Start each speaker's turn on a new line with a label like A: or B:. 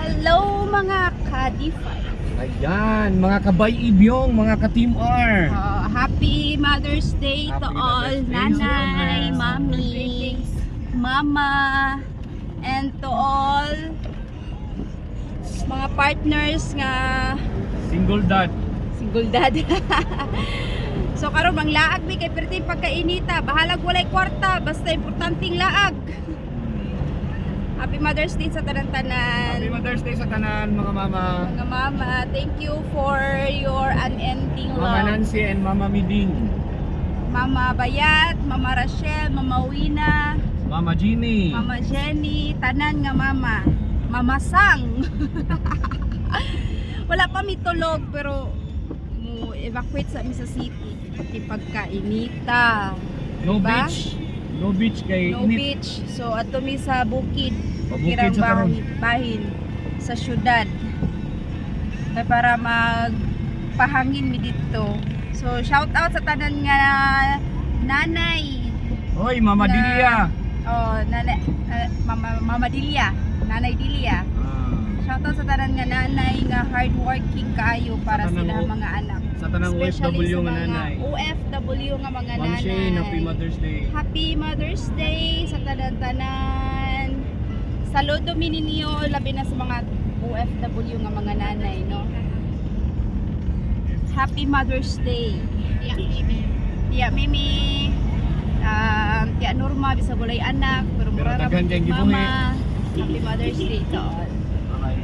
A: Hello mga ka-D5.
B: Ayan, mga kabay ibyong, mga ka-Team R.
A: Happy Mother's Day to
B: Happy
A: all
B: Mother's Day,
A: nanay,
B: Mama.
A: mommy, mama, and to all mga partners nga
B: Single dad.
A: single dad. So karon mang laag mi kay perti pagkainita, bahalag walay kwarta, basta importanteng laag. Happy Mother's Day sa tanan-tanan.
B: Happy Mother's Day sa tanan, mga mama.
A: Mga mama, thank you for your unending
B: Mama
A: love.
B: Nancy and Mama Miding.
A: Mama Bayat, Mama Rachel, Mama Wina,
B: Mama Jeannie.
A: Mama Jenny, tanan nga mama. Mama Sang. Wala pa mi tulog pero mo evacuate sa mi sa city. Di pagkainita.
B: No
A: Diba?
B: beach. No beach kay
A: No
B: init.
A: beach. So ato mi sa bukid.
B: Pabukid
A: Kirang
B: sa karon.
A: bahin sa syudad. Kaya para magpahangin mi dito. So shout out sa tanan nga nanay.
B: Hoy, Mama
A: Na-
B: Dilia.
A: Oh, nanay, Mama Dilia, Nanay Dilia. Shout out sa tanan nga nanay nga hardworking kaayo para
B: Sa tanang
A: sila
B: O-
A: mga anak.
B: Sa tanang
A: Especially
B: OFW
A: sa
B: nga
A: mga
B: nanay.
A: OFW nga mga
B: Ma'am
A: nanay.
B: Shane, Happy Mother's Day.
A: Happy Mother's Day sa tanan-tanan. Saludo mi ninyo labi na sa mga OFW nga mga nanay, no? Happy Mother's Day.
C: Yeah, Mimi.
A: Tiya Mimi. Tiya Norma bisa bulay anak pero mura ra
B: daghan
A: pud
B: kayong
A: mama. Happy Mother's Day to all.